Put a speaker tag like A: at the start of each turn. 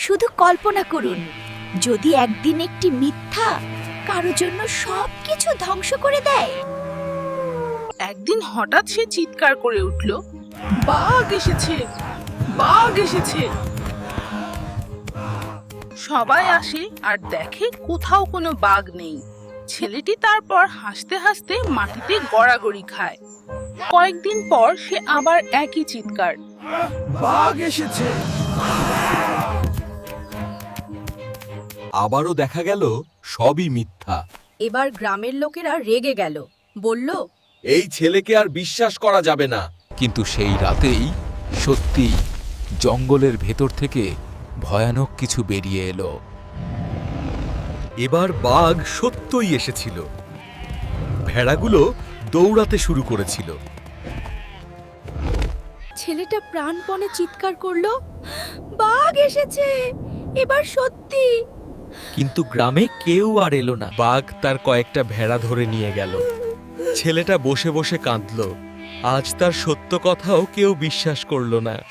A: শুধু কল্পনা করুন, যদি একদিন একটি মিথ্যা কারো জন্য সবকিছু ধ্বংস করে দেয়।
B: একদিন হঠাৎ সে চিৎকার করে উঠল, বাঘ এসেছে, বাঘ এসেছে। সবাই আসে আর দেখে কোথাও কোনো বাঘ নেই। ছেলেটি তারপর হাসতে হাসতে মাটিতে গড়াগড়ি খায়। কয়েকদিন পর সে আবার একই চিৎকার,
C: বাঘ এসেছে। আবারও দেখা গেল সবই মিথ্যা।
A: এবার গ্রামের লোকেরা রেগে গেল, বলল,
C: এই ছেলেকে আর বিশ্বাস করা যাবে না।
D: কিন্তু সেই রাতেই সত্যি জঙ্গলের ভেতর থেকে ভয়ানক কিছু বেরিয়ে এলো।
C: এবার বাঘ সত্যই এসেছিল। ভেড়াগুলো দৌড়াতে শুরু করেছিল।
A: ছেলেটা প্রাণপণে চিৎকার করলো, বাঘ এসেছে, এবার সত্যি।
E: কিন্তু গ্রামে কেউ আর এলো না।
C: বাঘ তার কয়েকটা ভেড়া ধরে নিয়ে গেল। ছেলেটা বসে বসে কাঁদল। আজ তার সত্য কথাও কেউ বিশ্বাস করল না।